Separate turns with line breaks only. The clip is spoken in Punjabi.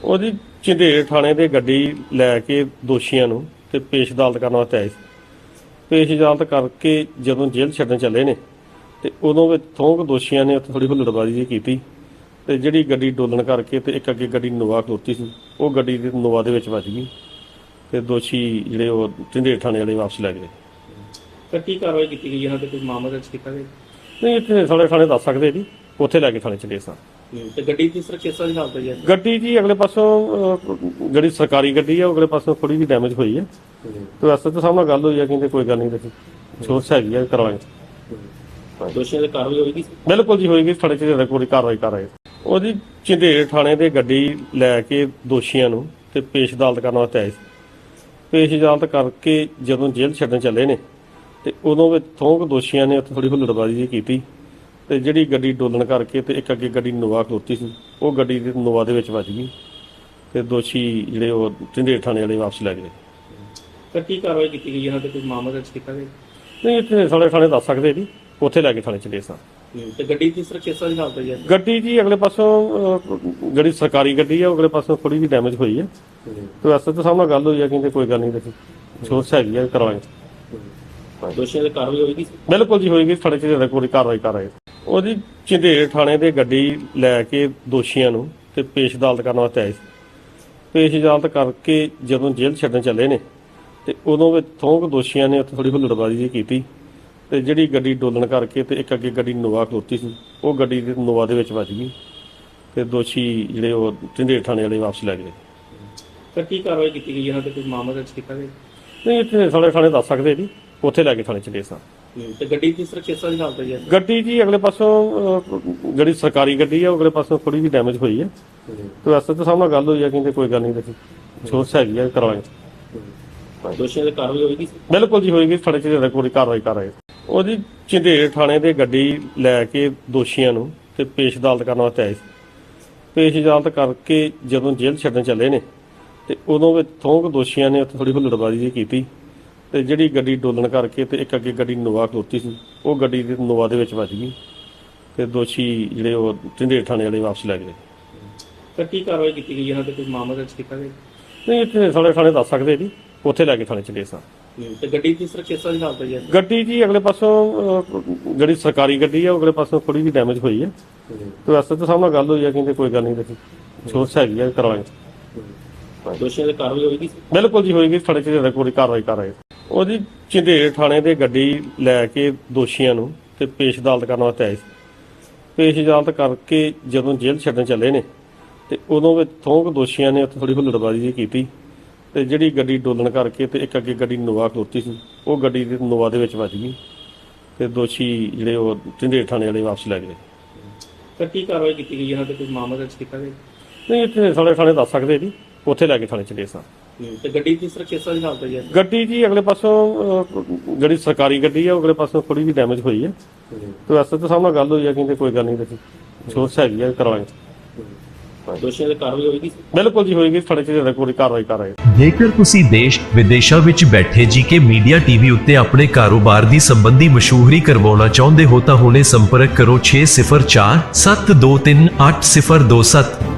ਉਹ ਜੀ ਝੰਡੇਰ ਥਾਣੇ ਦੇ ਗੱਡੀ ਲੈ ਕੇ ਦੋਸ਼ੀਆਂ ਨੂੰ ਤੇ ਪੇਸ਼ ਅਦਾਲਤ ਕਰਨ ਵਾਸਤੇ ਆਏ ਸੀ। ਪੇਸ਼ ਅਦਾਲਤ ਕਰਕੇ ਜਦੋਂ ਜੇਲ੍ਹ ਛੱਡਣ ਚੱਲੇ ਨੇ ਤੇ ਉਦੋਂ ਵਿੱਚ ਥੋਂਕ ਦੋਸ਼ੀਆਂ ਨੇ ਉੱਥੇ ਥੋੜੀ ਹੁੱਲੜਬਾਜ਼ੀ ਜਿਹੀ ਕੀਤੀ ਤੇ ਜਿਹੜੀ ਗੱਡੀ ਡੋਲਣ ਕਰਕੇ ਤੇ ਇੱਕ ਅੱਗੇ ਗੱਡੀ ਨੋਵਾ ਖਲੋਤੀ ਸੀ, ਉਹ ਗੱਡੀ ਦੇ ਨੋਵਾ ਦੇ ਵਿੱਚ ਵੱਜ ਗਈ ਤੇ ਦੋਸ਼ੀ ਜਿਹੜੇ ਉਹ ਝੰਡੇਰ ਥਾਣੇ ਵਾਲੇ ਵਾਪਸ ਲੈ ਗਏ।
ਤਾਂ ਕੀ ਕਾਰਵਾਈ ਕੀਤੀ ਗਈ ਇਹਨਾਂ ਤੇ? ਕੋਈ ਮਾਮਲਾ ਦਰਜ ਕੀਤਾ ਗਿਆ?
ਨਹੀਂ, ਇੱਥੇ ਸਾਡੇ ਥਾਣੇ ਦੱਸ ਸਕਦੇ ਜੀ, ਉੱਥੇ ਲੈ ਕੇ ਥਾਣੇ ਚਲੇ ਸਾਂ।
ਤੇ ਗੱਡੀ ਦੀ ਸਰ ਕਿਸ ਤਰ੍ਹਾਂ ਦੀ ਹਾਲਤ ਹੈ?
ਗੱਡੀ ਜੀ ਅਗਲੇ ਪਾਸੋਂ ਜਿਹੜੀ ਸਰਕਾਰੀ ਗੱਡੀ ਆ, ਉਹ ਅਗਲੇ ਪਾਸੋਂ ਥੋੜੀ ਜਿਹੀ ਡੈਮੇਜ ਹੋਈ ਹੈ ਤੇ ਵੈਸੇ ਤਾਂ ਸਾਹਮਣੇ ਗੱਲ ਹੋਈ ਆ, ਕਹਿੰਦੇ ਕੋਈ ਗੱਲ ਨਹੀਂ, ਦੇਖੀ ਸੋਚ ਹੈਗੀ ਆ, ਕਰਾਂਗੇ।
ਦੋਸ਼ੀਆਂ ਦੀ ਕਾਰਵਾਈ ਹੋਏਗੀ?
ਬਿਲਕੁਲ ਜੀ ਹੋਏਗੀ, ਥਾਣੇ 'ਚ ਕੋਈ ਕਾਰਵਾਈ ਕਰ ਰਹੇ। ਉਹ ਜੀ ਝੰਡੇਰ ਥਾਣੇ ਦੇ ਗੱਡੀ ਲੈ ਕੇ ਦੋਸ਼ੀਆਂ ਨੂੰ ਤੇ ਪੇਸ਼ ਅਦਾਲਤ ਕਰਨ ਵਾਸਤੇ ਆਏ ਸੀ। ਪੇਸ਼ ਅਦਾਲਤ ਕਰਕੇ ਜਦੋਂ ਜੇਲ੍ਹ ਛੱਡਣ ਚੱਲੇ ਨੇ ਤੇ ਉਦੋਂ ਵਿੱਚ ਥੋਂਕ ਦੋਸ਼ੀਆਂ ਨੇ ਉੱਥੇ ਥੋੜੀ ਹੁੱਲੜਬਾਜ਼ੀ ਜਿਹੀ ਕੀਤੀ ਤੇ ਜਿਹੜੀ ਗੱਡੀ ਡੋਲਣ ਕਰਕੇ ਤੇ ਇੱਕ ਅੱਗੇ ਗੱਡੀ ਨੋਵਾ ਖਲੋਤੀ ਸੀ, ਉਹ ਗੱਡੀ ਦੇ ਨੋਵਾ ਦੇ ਵਿੱਚ ਵੱਜ ਗਈ ਤੇ ਦੋਸ਼ੀ ਜਿਹੜੇ ਉਹ ਝੰਡੇਰ ਥਾਣੇ ਵਾਲੇ ਵਾਪਸ ਲੈ ਗਏ।
ਤਾਂ ਕੀ ਕਾਰਵਾਈ ਕੀਤੀ ਗਈ ਇਹਨਾਂ ਤੇ? ਕੋਈ ਮਾਮਲਾ ਦਰਜ ਕੀਤਾ ਗਿਆ?
ਨਹੀਂ, ਇੱਥੇ ਸਾਡੇ ਥਾਣੇ ਦੱਸ ਸਕਦੇ ਜੀ, ਉੱਥੇ ਲੈ ਕੇ ਥਾਣੇ ਚਲੇ ਸਾਂ।
ਤੇ ਗੱਡੀ ਦੀ ਸਰ ਕਿਸ ਤਰ੍ਹਾਂ ਦੀ ਹਾਲਤ ਹੈ?
ਗੱਡੀ ਜੀ ਅਗਲੇ ਪਾਸੋਂ ਜਿਹੜੀ ਸਰਕਾਰੀ ਗੱਡੀ ਆ, ਉਹ ਅਗਲੇ ਪਾਸੋਂ ਥੋੜੀ ਜਿਹੀ ਡੈਮੇਜ ਹੋਈ ਹੈ ਤੇ ਵੈਸੇ ਤਾਂ ਸਾਹਮਣੇ ਗੱਲ ਹੋਈ ਆ, ਕਹਿੰਦੇ ਕੋਈ ਗੱਲ ਨਹੀਂ, ਦੇਖੀ ਸੋਚ ਹੈਗੀ ਆ, ਕਰਾਂਗੇ।
ਦੋਸ਼ੀਆਂ ਦੀ ਕਾਰਵਾਈ ਹੋਏਗੀ?
ਬਿਲਕੁਲ ਜੀ ਹੋਏਗੀ, ਥਾਣੇ 'ਚ ਕੋਈ ਕਾਰਵਾਈ ਕਰ ਰਹੇ। ਉਹ ਜੀ ਝੰਡੇਰ ਥਾਣੇ ਦੇ ਗੱਡੀ ਲੈ ਕੇ ਦੋਸ਼ੀਆਂ ਨੂੰ ਤੇ ਪੇਸ਼ ਅਦਾਲਤ ਕਰਨ ਵਾਸਤੇ ਆਏ ਸੀ। ਪੇਸ਼ ਅਦਾਲਤ ਕਰਕੇ ਜਦੋਂ ਜੇਲ੍ਹ ਛੱਡਣ ਚੱਲੇ ਨੇ ਤੇ ਉਦੋਂ ਵਿੱਚ ਥੋਂਕ ਦੋਸ਼ੀਆਂ ਨੇ ਉੱਥੇ ਥੋੜੀ ਹੁੱਲੜਬਾਜ਼ੀ ਜਿਹੀ ਕੀਤੀ ਤੇ ਜਿਹੜੀ ਗੱਡੀ ਡੋਲਣ ਕਰਕੇ ਤੇ ਇੱਕ ਅੱਗੇ ਗੱਡੀ ਨੋਵਾ ਖਲੋਤੀ ਸੀ, ਉਹ ਗੱਡੀ ਦੇ ਨੋਵਾ ਦੇ ਵਿੱਚ ਵੱਜ ਗਈ ਤੇ ਦੋਸ਼ੀ ਜਿਹੜੇ ਉਹ ਝੰਡੇਰ ਥਾਣੇ ਵਾਲੇ ਵਾਪਸ ਲੈ ਗਏ।
ਤਾਂ ਕੀ ਕਾਰਵਾਈ ਕੀਤੀ ਗਈ ਇਹਨਾਂ ਤੇ? ਕੋਈ ਮਾਮਲਾ ਦਰਜ ਕੀਤਾ ਗਿਆ?
ਨਹੀਂ, ਇੱਥੇ ਸਾਡੇ ਥਾਣੇ ਦੱਸ ਸਕਦੇ ਜੀ, ਉੱਥੇ ਲੈ ਕੇ ਥਾਣੇ ਚਲੇ ਸਾਂ।
ਤੇ ਗੱਡੀ ਦੀ ਸਰ ਕਿਸ ਤਰ੍ਹਾਂ ਦੀ ਹਾਲਤ ਹੈ?
ਗੱਡੀ ਜੀ ਅਗਲੇ ਪਾਸੋਂ ਜਿਹੜੀ ਸਰਕਾਰੀ ਗੱਡੀ ਆ, ਉਹ ਅਗਲੇ ਪਾਸੋਂ ਥੋੜੀ ਜਿਹੀ ਡੈਮੇਜ ਹੋਈ ਹੈ ਤੇ ਵੈਸੇ ਤਾਂ ਸਾਹਮਣੇ ਗੱਲ ਹੋਈ ਆ, ਕਹਿੰਦੇ ਕੋਈ ਗੱਲ ਨਹੀਂ, ਦੇਖੀ ਸੋਚ ਹੈਗੀ ਆ, ਕਰਾਂਗੇ।
ਦੋਸ਼ੀਆਂ ਦੀ ਕਾਰਵਾਈ ਹੋਏਗੀ?
ਬਿਲਕੁਲ ਜੀ ਹੋਏਗੀ, ਥਾਣੇ 'ਚ ਕੋਈ ਕਾਰਵਾਈ ਕਰ ਰਹੇ। ਉਹ ਜੀ ਝੰਡੇਰ ਥਾਣੇ ਦੇ ਗੱਡੀ ਲੈ ਕੇ ਦੋਸ਼ੀਆਂ ਨੂੰ ਤੇ ਪੇਸ਼ ਅਦਾਲਤ ਕਰਨ ਵਾਸਤੇ ਆਏ ਸੀ। ਪੇਸ਼ ਅਦਾਲਤ ਕਰਕੇ ਜਦੋਂ ਜੇਲ੍ਹ ਛੱਡਣ ਚੱਲੇ ਨੇ ਤੇ ਉਦੋਂ ਵਿੱਚ ਥੋਂਕ ਦੋਸ਼ੀਆਂ ਨੇ ਉੱਥੇ ਥੋੜੀ ਹੁੱਲੜਬਾਜ਼ੀ ਜਿਹੀ ਕੀਤੀ ਤੇ ਜਿਹੜੀ ਗੱਡੀ ਡੋਲਣ ਕਰਕੇ ਤੇ ਇੱਕ ਅੱਗੇ ਗੱਡੀ ਨੋਵਾ ਖਲੋਤੀ ਸੀ, ਉਹ ਗੱਡੀ ਦੇ ਨੋਵਾ ਦੇ ਵਿੱਚ ਵੱਜ ਗਈ ਤੇ ਦੋਸ਼ੀ ਜਿਹੜੇ ਉਹ ਝੰਡੇਰ ਥਾਣੇ ਵਾਲੇ ਵਾਪਸ ਲੈ ਗਏ।
ਤਾਂ ਕੀ ਕਾਰਵਾਈ ਕੀਤੀ ਗਈ ਇਹਨਾਂ ਤੇ? ਕੋਈ ਮਾਮਲਾ ਦਰਜ ਕੀਤਾ ਗਿਆ?
ਨਹੀਂ, ਇੱਥੇ ਸਾਡੇ ਥਾਣੇ ਦੱਸ ਸਕਦੇ ਜੀ, ਉੱਥੇ ਲੈ ਕੇ ਥਾਣੇ ਚਲੇ ਸਾਂ।
ਤੇ ਗੱਡੀ ਦੀ ਸਰ ਕਿਸ ਤਰ੍ਹਾਂ ਦੀ ਹਾਲਤ ਹੈ?
ਗੱਡੀ ਜੀ ਅਗਲੇ ਪਾਸੋਂ ਜਿਹੜੀ ਸਰਕਾਰੀ ਗੱਡੀ ਆ, ਉਹ ਅਗਲੇ ਪਾਸੋਂ ਥੋੜੀ ਜਿਹੀ ਡੈਮੇਜ ਹੋਈ ਹੈ ਤੇ ਵੈਸੇ ਤਾਂ ਸਾਹਮਣੇ ਗੱਲ ਹੋਈ ਆ, ਕਹਿੰਦੇ ਕੋਈ ਗੱਲ ਨਹੀਂ, ਦੇਖੀ ਸੋਚ ਹੈਗੀ ਆ, ਕਰਾਂਗੇ।
ਦੋਸ਼ੀਆਂ ਦੀ ਕਾਰਵਾਈ ਹੋਏਗੀ?
ਬਿਲਕੁਲ ਜੀ ਹੋਏਗੀ, ਥਾਣੇ 'ਚ ਕੋਈ ਕਾਰਵਾਈ ਕਰ ਰਹੇ। ਉਹ ਜੀ ਝੰਡੇਰ ਥਾਣੇ ਦੇ ਗੱਡੀ ਲੈ ਕੇ ਦੋਸ਼ੀਆਂ ਨੂੰ ਤੇ ਪੇਸ਼ ਅਦਾਲਤ ਕਰਨ ਵਾਸਤੇ ਆਏ ਸੀ। ਪੇਸ਼ ਅਦਾਲਤ ਕਰਕੇ ਜਦੋਂ ਜੇਲ੍ਹ ਛੱਡਣ ਚੱਲੇ ਨੇ ਤੇ ਉਦੋਂ ਵਿੱਚ ਥੋਂਕ ਦੋਸ਼ੀਆਂ ਨੇ ਉੱਥੇ ਥੋੜੀ ਹੁੱਲੜਬਾਜ਼ੀ ਜਿਹੀ ਕੀਤੀ ਤੇ ਜਿਹੜੀ ਗੱਡੀ ਡੋਲਣ ਕਰਕੇ ਤੇ ਇੱਕ ਅੱਗੇ ਗੱਡੀ ਨੋਵਾ ਖਲੋਤੀ ਸੀ, ਉਹ ਗੱਡੀ ਦੇ ਨੋਵਾ ਦੇ ਵਿੱਚ ਵੱਜ ਗਈ ਤੇ ਦੋਸ਼ੀ ਜਿਹੜੇ ਉਹ ਝੰਡੇਰ ਥਾਣੇ ਵਾਲੇ ਵਾਪਸ ਲੈ ਗਏ।
ਤਾਂ ਕੀ ਕਾਰਵਾਈ ਕੀਤੀ ਗਈ ਇਹਨਾਂ ਤੇ? ਕੋਈ ਮਾਮਲਾ ਦਰਜ ਕੀਤਾ ਗਿਆ?
ਨਹੀਂ, ਇੱਥੇ ਸਾਡੇ ਥਾਣੇ ਦੱਸ ਸਕਦੇ ਜੀ, ਉੱਥੇ ਲੈ ਕੇ ਥਾਣੇ ਚਲੇ ਸਾਂ।
ਤੇ ਗੱਡੀ ਦੀ ਸਰ ਕਿਸ ਤਰ੍ਹਾਂ ਦੀ ਹਾਲਤ ਹੈ?
ਗੱਡੀ ਜੀ ਅਗਲੇ ਪਾਸੋਂ ਜਿਹੜੀ ਸਰਕਾਰੀ ਗੱਡੀ ਆ, ਉਹ ਅਗਲੇ ਪਾਸੋਂ ਥੋੜੀ ਜਿਹੀ ਡੈਮੇਜ ਹੋਈ ਹੈ ਤੇ ਵੈਸੇ ਤਾਂ ਸਾਹਮਣੇ ਗੱਲ ਹੋਈ ਆ, ਕਹਿੰਦੇ ਕੋਈ ਗੱਲ ਨਹੀਂ, ਦੇਖੀ ਸੋਚ ਹੈਗੀ ਆ, ਕਰਾਂਗੇ।
ਦੋਸ਼ੀਆਂ ਦੀ ਕਾਰਵਾਈ ਹੋਏਗੀ?
ਬਿਲਕੁਲ ਜੀ ਹੋਏਗੀ, ਥਾਣੇ 'ਚ ਕੋਈ ਕਾਰਵਾਈ ਕਰ ਰਹੇ।
ਜੇਕਰ ਤੁਸੀਂ ਦੇਸ਼ ਵਿਦੇਸ਼ਾਂ ਵਿੱਚ ਬੈਠੇ ਜੀਕੇ ਮੀਡੀਆ ਟੀਵੀ ਉੱਤੇ ਆਪਣੇ ਕਾਰੋਬਾਰ ਦੀ ਸੰਬੰਧੀ ਮਸ਼ਹੂਰੀ ਕਰਵਾਉਣਾ ਚਾਹੁੰਦੇ ਹੋ ਤਾਂ ਹੁਣੇ ਸੰਪਰਕ ਕਰੋ 6047238027।